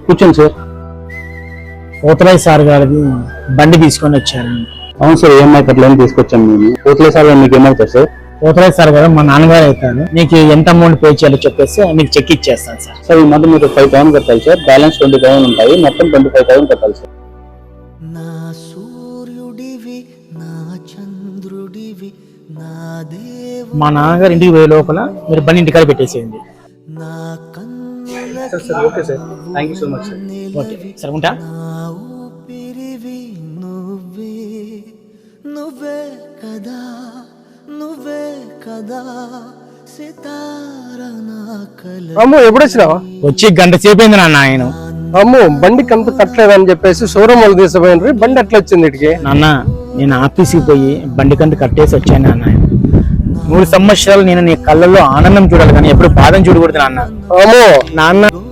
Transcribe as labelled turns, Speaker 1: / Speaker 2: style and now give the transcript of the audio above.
Speaker 1: కూర్చోండి sir.
Speaker 2: పోతరాయ్ sir గారిది బండి తీసుకొని వచ్చారు.
Speaker 1: అవును సార్, ఈఎంఐ లోన్ తీసుకొచ్చాం మేము. పోతలే సార్ మీకు ఏమవుతారు సార్?
Speaker 2: పోతరాయ్ సార్ గారు మా నాన్నగారు అవుతారు. నీకు ఎంత అమౌంట్ పే చేయాలో చెప్పేసి మీకు చెక్ ఇచ్చేస్తాను సార్.
Speaker 1: సార్ ఈ మంత్ మీరు 5,000 కట్టాలి సార్. బ్యాలెన్స్ 20,000 ఉంటాయి. మొత్తం 25,000 కట్టాలి సార్.
Speaker 3: నా సూర్యుడివి నా చంద్రుడివి నా దేవు
Speaker 2: మా నాన్నగారు ఇంటికి పోయే లోపల మీరు బండి ఇంటికాడ పెట్టేసేయండి.
Speaker 3: నా
Speaker 1: okay sir, thank you so much sir.
Speaker 2: Okay sir, ఉంటా.
Speaker 3: నా ఊపిరివి నువ్వే నువ్వే కదా నువ్వే కదా సితార నా కల
Speaker 4: అమ్ము ఎప్పుడు వచ్చినావా?
Speaker 2: వచ్చి గంట సేపు అయింది నాన్న. ఆయన
Speaker 4: అమ్ము బండికి అంత కట్టలేదని చెప్పేసి షోరూమ్ వాళ్ళు తీసుకుపోయినరు. బండి ఎట్లా వచ్చింది ఇటుకి?
Speaker 2: నాన్న, నేను ఆఫీస్కి పోయి బండి కంట కట్టేసి వచ్చాను నాన్న. 3 సంవత్సరాలు నేను నీ కళ్ళల్లో ఆనందం చూడాలి కానీ ఎప్పుడు బాధను చూడకూడదు నాన్న.
Speaker 4: అమ్ము
Speaker 2: నాన్న